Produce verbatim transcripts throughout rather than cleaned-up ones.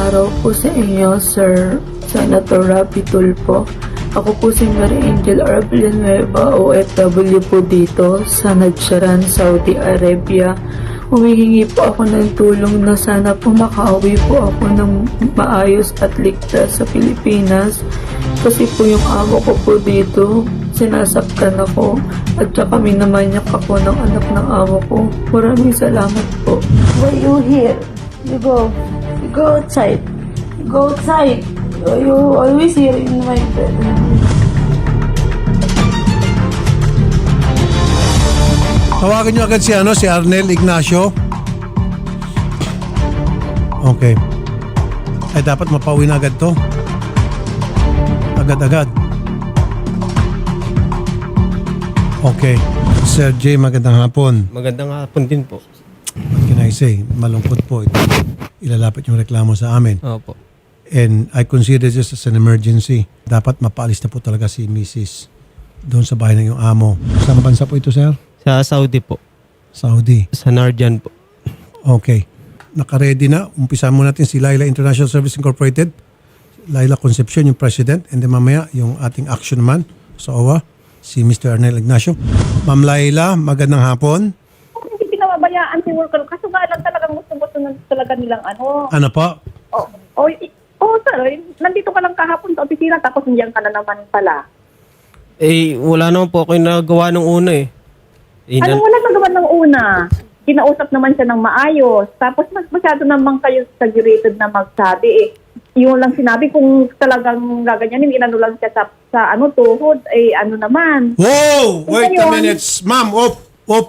araw po sa inyo, Sir Senator Rapi Tulfo. Ako po si Mary Angel R. Villanueva, O F W po dito sa Nadjaran, Saudi Arabia. Humihingi po ako ng tulong na sana po makauwi po ako ng maayos at ligtas sa Pilipinas. Kasi po yung amo ko po dito, sinasaktan ako at saka minamanyak ako ng anak ng amo ko. Maraming salamat po. Why you here? You go. You go outside. You go outside. You always here in my bed. Tawagan nyo agad si ano, si Arnel Ignacio. Okay. Ay dapat mapauwi na agad to. Agad-agad. Okay. Sir J, magandang hapon. Magandang hapon din po. What can I say? Malungkot po ito. Ilalapit yung reklamo sa amin. Opo. And I consider this as an emergency. Dapat mapaalis na po talaga si Missus doon sa bahay ng iyong amo. Saan bansa po ito, sir? Sa Saudi po. Saudi. Sa Narjan po. Okay. Naka-ready na. Umpisa mo natin si Laila International Service Incorporated. Laila Concepcion, yung president. And then mamaya, yung ating action man sa O W A, si Mister Arnel Ignacio. Ma'am Laila, magandang hapon. Hindi pinababayaan si worker. Kaso nga lang talagang gusto-gusto na talaga nilang ano. Ano po? Oh, oh, oh sir, eh, nandito ka lang kahapon sa opisina tapos nandiyan ka na naman pala. Eh, wala naman po ako yung nagawa nung una eh. eh Ano nan- wala nagawa ng una? Kinausap naman siya ng maayos. Tapos mas masyado naman kayo exaggerated na magsabi eh. Yung lang sinabi kung talagang gaganyanin, inano lang siya sa, sa ano, tuhod, eh ano naman. Whoa! Wait a Ngayon- minute. Ma'am, op, op.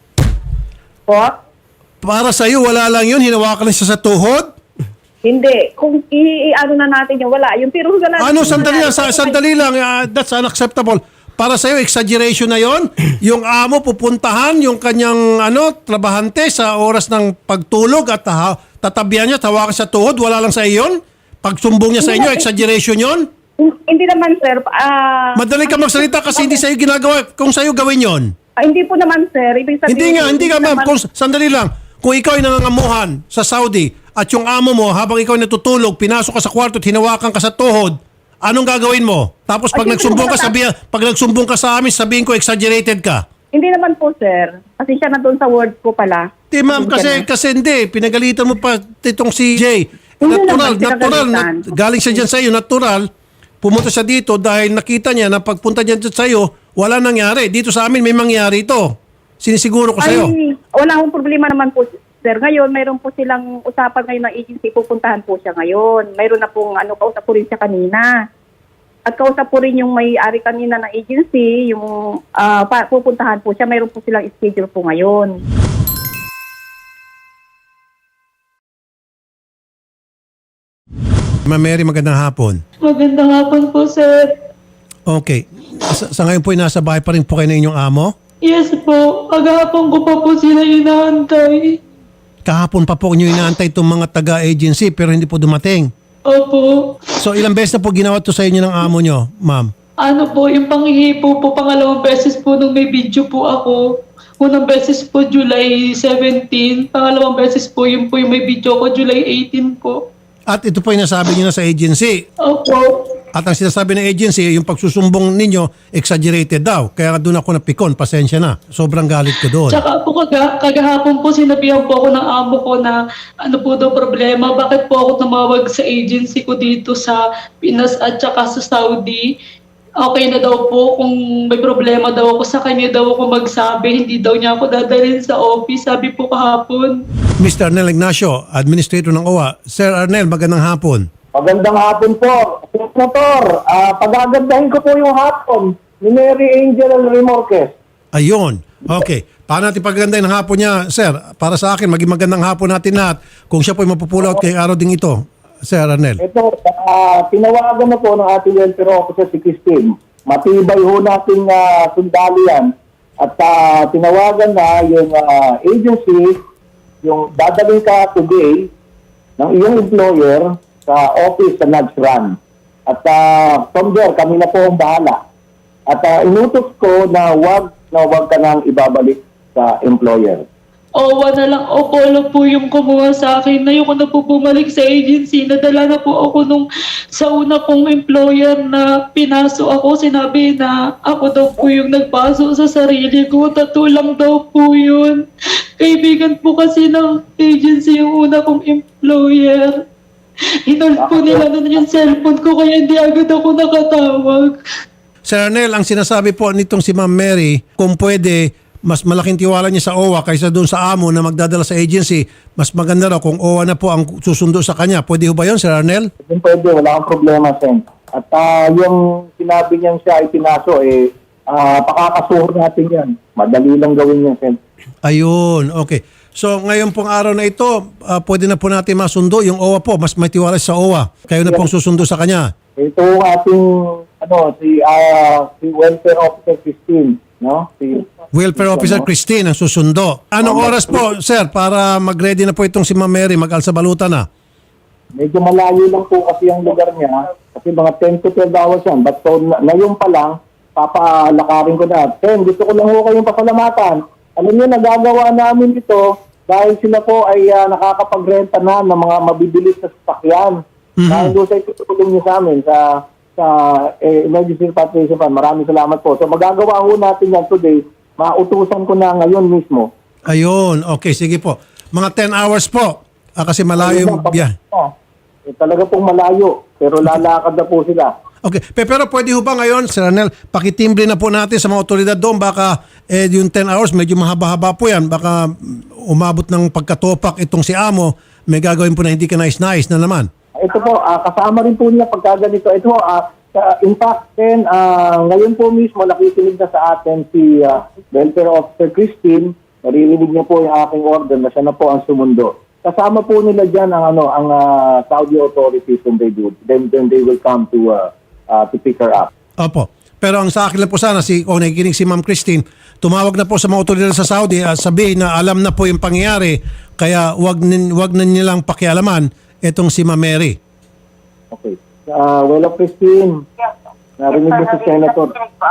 Po? Para sa'yo, wala lang yun. Hinawakan lang siya sa tuhod? Hindi. Kung i-ano na natin yung wala. Yung pero wala. Ano, sandali lang, sa- sandali lang. Ah, that's unacceptable. Para sa'yo, exaggeration na yon. Yung amo pupuntahan yung kanyang ano, trabahante sa oras ng pagtulog at ha, tatabihan niya, tawakan sa tuhod, wala lang sa iyon. Pagsumbong niya sa inyo, exaggeration yon. Hindi naman, sir. Ah, Madali ka magsalita kasi hindi sa'yo ginagawa. Kung sa'yo gawin yon. ah, hindi po naman, sir. Ibig sabihin, Hindi nga, hindi ka ma'am. naman- Kung, sandali lang. Kung ikaw ay nangangamuhan sa Saudi at yung amo mo, habang ikaw ay natutulog, pinasok ka sa kwarto at hinawakan ka sa tuhod, anong gagawin mo? Tapos pag Ay, nagsumbong ka, hindi ko sabihin, pag nagsumbong ka sa amin, sabihin ko exaggerated ka. Hindi naman po, sir. Kasi siya na doon sa word ko pala. Di ma'am, kasi, kasi hindi. Pinagalitan mo pa itong si Jay. Hindi Natural, naman natural. pinagalitan. nat- galing siya dyan sa iyo, natural. Pumunta siya dito dahil nakita niya na pagpunta dyan sa iyo, wala nangyari. Dito sa amin may mangyari ito. Sinisiguro ko sa iyo. Ay, wala akong problema naman po, sir. Ngayon, mayroon po silang usapan ngayon ng agency. Pupuntahan po siya ngayon. Mayroon na pong, ano, kausap po rin siya kanina. At kausap po rin yung may-ari kanina ng agency, yung ah, pa, pupuntahan po siya. Mayroon po silang schedule po ngayon. Ma'am Mary, magandang hapon. Magandang hapon po, sir. Okay. Sa, sa ngayon po, nasa bahay pa rin po kayo ng inyong amo? Yes po. Agahapon ko pa po sila inaantay. Kahapon pa po nyo inaantay itong mga taga-agency pero hindi po dumating. Opo. So ilang beses na po ginawa to sa inyo ng amo nyo, ma'am? Ano po, yung panghihipo po, pangalawang beses po nung may video po ako. Unang beses po, July seventeenth. Pangalawang beses po, yung po yung may video ko, July eighteenth po. At ito po yung nasabi nyo na sa agency. Opo. At ang sinasabi ng agency, yung pagsusumbong ninyo, exaggerated daw. Kaya doon ako napikon, pasensya na. Sobrang galit ko doon. Tsaka po kaga, kagahapon po sinabihan po ako ng amo ko na ano po daw problema, bakit po ako tumawag sa agency ko dito sa Pinas at saka sa Saudi. Okay na daw po kung may problema daw ako sa kanya daw ako magsabi, hindi daw niya ako dadalhin sa office, sabi po kahapon. Mister Arnel Ignacio, Administrator ng O W A. Sir Arnel, magandang hapon. Magandang hapon po. Senator, ah pagagandahin ko po yung hapon ni Mary Angel Remorquez. Ayun. Okay. Paano natin paggandahin ng hapon niya, sir? Para sa akin, maging magandang hapon natin lahat. Kung siya po ay mapupulaw kay araw ding ito, Sir Arnel. Ito, ah tinawagan na po ng ating welfare officer si Christine. Matibay ho nating uh, sundali yan. At ah, tinawagan na yung ah, agency, yung dadalhin ka today ng iyong employer sa office sa Nadjaran. At uh, from there, kami na po ang bahala. At uh, inutos ko na wag na wag ka nang ibabalik sa employer. Owa na lang, o polo po yung kumuha sa akin. Ayoko na po bumalik sa agency. Nadala na po ako nung sa una kong employer na pinaso ako. Sinabi na ako daw po yung nagpaso sa sarili ko. Tattoo lang daw po yun. Kaibigan po kasi ng agency yung una kong employer. Hinold po nila na yung cellphone ko kaya hindi agad ako nakatawag. Sir Arnel, ang sinasabi po nitong si Ma'am Mary, kung pwede, mas malaking tiwala niya sa O W A kaysa doon sa amo na magdadala sa agency, mas maganda raw kung O W A na po ang susundo sa kanya. Pwede ho ba yun, Sir Arnel? Kung pwede, wala kang problema, Sen. At ah, yung sinabi niyang siya ay pinaso, eh, uh, pakakasuhan natin yan. Madali lang gawin yan, Sen. Ayun, okay. So ngayon pong araw na ito, ah, pwede na po natin masundo yung O W A po. Mas may tiwala sa O W A. Kayo na pong susundo sa kanya. Ito ang ating, ano, si, ah, si Welfare Officer Christine, no? Si, Welfare Officer Christine ang susundo. Anong oras po, sir, para mag-ready na po itong si Ma'am Mary, mag-alsa baluta na? medyo malayo lang po kasi ang lugar niya. Kasi mga ten to twelve hours yan. But so, na, ngayon pa lang, papalakarin ko na. Sen, gusto ko lang ho kayong pasalamatan. Alam niyo, nagagawa namin ito dahil sila po ay uh, nakakapagrenta na ng mga mabibilis na sasakyan. Mhm. Dahil doon sa itutulong niyo sa amin sa sa eh, Emergency Repatriation Fund. Maraming salamat po. So magagawa ho natin yan today. Mautusan ko na ngayon mismo. Ayun, okay, sige po. Mga ten hours po. Ah, kasi malayo yung biyahe. Oh, eh, talaga pong malayo. Pero lalakad na po sila. Okay, Pe- pero pwede ho ba ngayon, Sir Arnel, pakitimbre na po natin sa mga otoridad doon. Baka eh, yung ten hours, medyo mahaba-haba po yan. Baka mm, umabot ng pagkatopak itong si Amo, may gagawin po na hindi ka nais-nais na naman. Ito po, ah, kasama rin po niya pagka ganito. Ito, ah, sa- in fact, then, ah, ngayon po mismo, nakikinig na sa atin si ah, Welfare Officer Christine. Naririnig niya po yung aking order na siya na po ang sumundo. Kasama po nila dyan ang, ano, ang ah, Saudi authorities when they do. Then, then they will come to, uh, uh, to pick her up. Opo. Pero ang sa akin lang po sana, si, kung nakikinig si Ma'am Christine, tumawag na po sa mga otoridad sa Saudi at sabihin na alam na po yung pangyayari, kaya wag, nin, wag na nilang pakialaman itong si Ma'am Mary. Okay. Uh, well, Christine, narinig mo si Senator.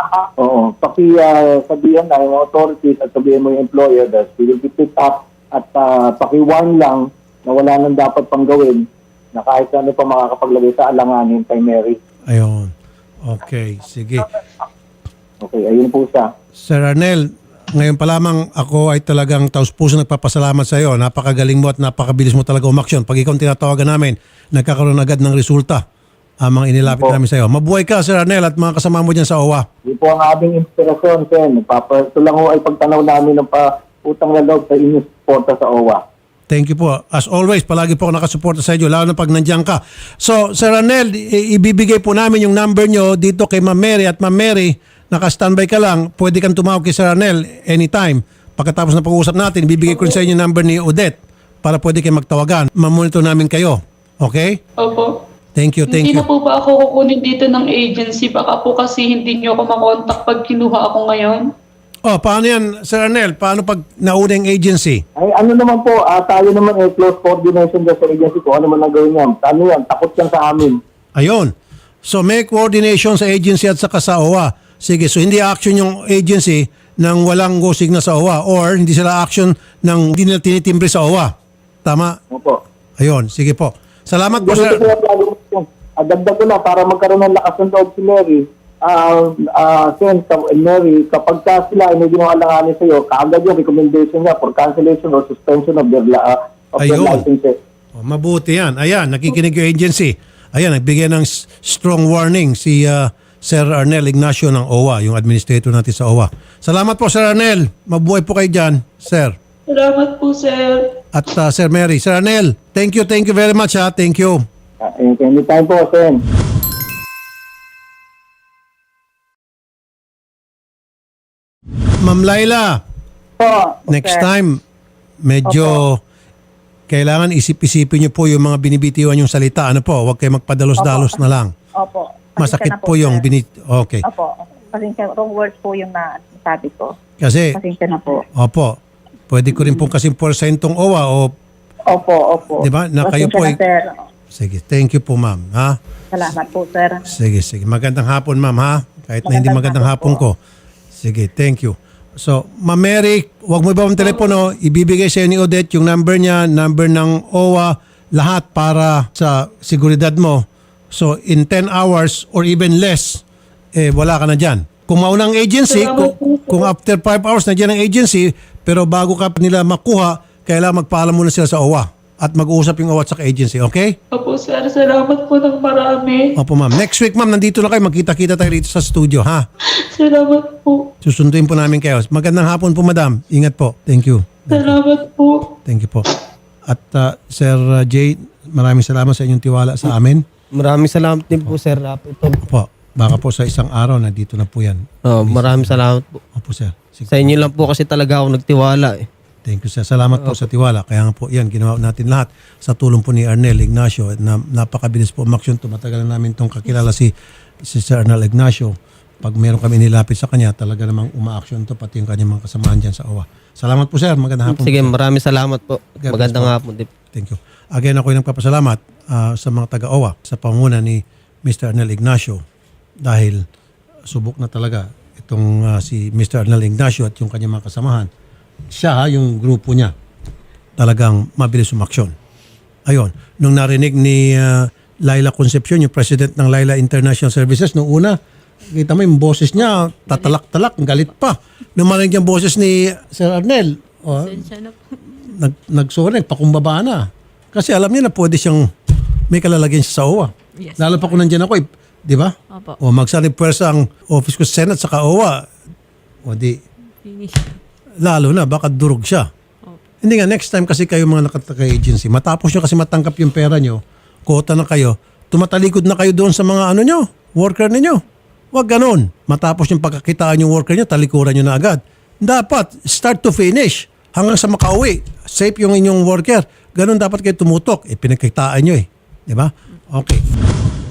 Oo. Paki uh, sabihan na yung authorities at sabihin mo yung employer that we will be picked up at uh, paki-warn lang na wala nang dapat pang gawin na kahit ano pa makakapaglagay sa alanganin kay Mary. Ayun. Okay, sige. Okay, ayun po siya. Sir Arnel, ngayon pa lamang ako ay talagang taus-puso nagpapasalamat sa iyo. Napakagaling mo at napakabilis mo talaga umaksyon. Pag ikaw ang tinatawagan namin, nagkakaroon agad ng resulta ang mga inilapit Opo. namin sa iyo. Mabuhay ka, Sir Arnel, at mga kasama mo dyan sa O W A. Yun po ang aming inspirasyon, Sen. Papa, ito lang ho ay pagtanaw namin ng pa utang na loob sa inyong suporta sa O W A. Thank you po. As always, palagi po ako nakasuporta sa inyo, lalo na pag nandiyan ka. So, Sir Arnel, i- ibibigay po namin yung number nyo dito kay Ma'am Mary. At Ma'am Mary, naka-standby ka lang, pwede kang tumawag kay Sir Arnel anytime. Pagkatapos na pag-uusap natin, ibibigay ko rin sa inyo yung number ni Odette para pwede kayo magtawagan. Mamonitor namin kayo. Okay? Opo. Thank you, thank Hindi you. na po ba ako kukunin dito ng agency? Baka po kasi hindi nyo ako makontak pag kinuha ako ngayon. Oh, paano yan, Sir Arnel? Paano pag nauna yung agency? Ay, ano naman po, ah, tayo naman ay close coordination dyan sa agency ko. Ano man ang gawin niya? Ano yan? Takot yan sa amin. Ayun. So, may coordination sa agency at saka sa O W A. Sige, so hindi action yung agency nang walang go signal sa O W A or hindi sila action nang hindi nila tinitimbre sa O W A. Tama? Opo. Ayun, sige po. Salamat po, Ganito sir. sila plano mo. Adagdag ko na para magkaroon ng lakas ng loob si Mary. Ah, ah, Sen, ka- Mary, kapag ka sila ay may ginawaalanganin sa iyo, kaagad yung recommendation niya for cancellation or suspension of their, la- ah, of their Ayun. licenses. Oh, mabuti yan. Ayan, nakikinig yung agency. Ayan, nagbigay ng s- strong warning si uh, Sir Arnel Ignacio ng O W A, yung administrator natin sa O W A. Salamat po, Sir Arnel. Mabuhay po kayo dyan, sir. Salamat po, sir. At uh, Sir Mary. Sir Arnel, thank you, thank you very much ha. Thank you. Ah, anytime po, Sen. Ma'am Laila, Po. next sir. time, medyo kailangan isip-isipin niyo po yung mga binibitiwan yung salita. Ano po, huwag kayo magpadalos-dalos na lang. Opo. Masakit Pasensya na po yung sir. binit... Okay. Opo. Pasensya, wrong words po yung na sabi ko. Kasi, Pasensya na po. opo, pwede ko rin pong kasing porsyentong O W A o... Opo, opo. Di ba? Na kayo Pasensya po na, ay- sir. Sige, thank you po, ma'am. Ha? Salamat po, sir. Sige, sige. Magandang hapon, ma'am, ha? Kahit na hindi magandang Magandang hapon hapon ko. Sige, thank you. So, Ma'am Mary, huwag mo iba ang telepono, ibibigay sa ni Odette yung number niya, number ng O W A, lahat para sa seguridad mo. So, in ten hours or even less, eh, wala ka na dyan. Kung maunang agency, kung, kung after five hours na dyan ang agency, pero bago ka nila makuha, kailangan magpaalam muna sila sa O W A at mag-uusap yung O W A at sa agency, okay? Opo, sir. Salamat po ng marami. Opo, ma'am. Next week, ma'am, nandito na kayo. Magkita-kita tayo rito sa studio, ha? Salamat po. Susunduin po namin kayo. Magandang hapon po, madam. Ingat po. Thank you. Salamat po. Thank you po. At uh, Sir uh, Jay, maraming salamat sa inyong tiwala sa amin. Maraming salamat din po, Sir Rapi. Ito. Opo, baka po sa isang araw, nandito na po yan. Oh, maraming salamat po. Opo, sir. Sige. Sa inyo lang po kasi talaga ako nagtiwala eh. Thank you, sir. Salamat po sa tiwala. Kaya nga po, yan, ginawa natin lahat sa tulong po ni Arnel Ignacio. Na, napakabilis po umaksyon. Tumatagal na namin itong kakilala si, si Sir Arnel Ignacio. Pag meron kami nilapit sa kanya, talaga namang umaaksyon to pati yung kanyang mga kasamahan dyan sa O W A. Salamat po, sir. Magandang hapon. Sige, po, sir. maraming salamat po. God Magandang bless po. hapon din. Thank you. Again, ako yung nagpapasalamat ah, sa mga taga-O W A sa panguna ni Mister Arnel Ignacio dahil subok na talaga itong ah, si Mister Arnel Ignacio at yung kanyang mga kasamahan. Siya, ha, yung grupo niya, talagang mabilis umaksyon. Ayun, nung narinig ni ah, Laila Concepcion, yung president ng Laila International Services, nung una, kita mo yung boses niya, tatalak-talak, galit pa. Nung marinig yung boses ni Sir Arnel, oh, nag, nagsorry, nagpakumbaba na. Kasi alam niya na pwede siyang may kalalagyan siya sa O W A. Yes, Lalo pa kung nandiyan ako, eh, di ba? Opo. O magsari pwersa ang office ko sa Senate sa O W A. O di, Finish. lalo na, baka durog siya. Hindi nga, next time kasi kayo mga nakataka-agency, matapos nyo kasi matangkap yung pera nyo, kota na kayo, tumatalikod na kayo doon sa mga ano nyo, worker ninyo. Huwag ganun. Matapos yung pagkakitaan yung worker nyo, talikuran nyo na agad. Dapat, start to finish. Hanggang sa makauwi. Safe yung inyong worker. Ganun dapat kayo tumutok. Eh, pinagkitaan nyo eh. Di ba? Okay.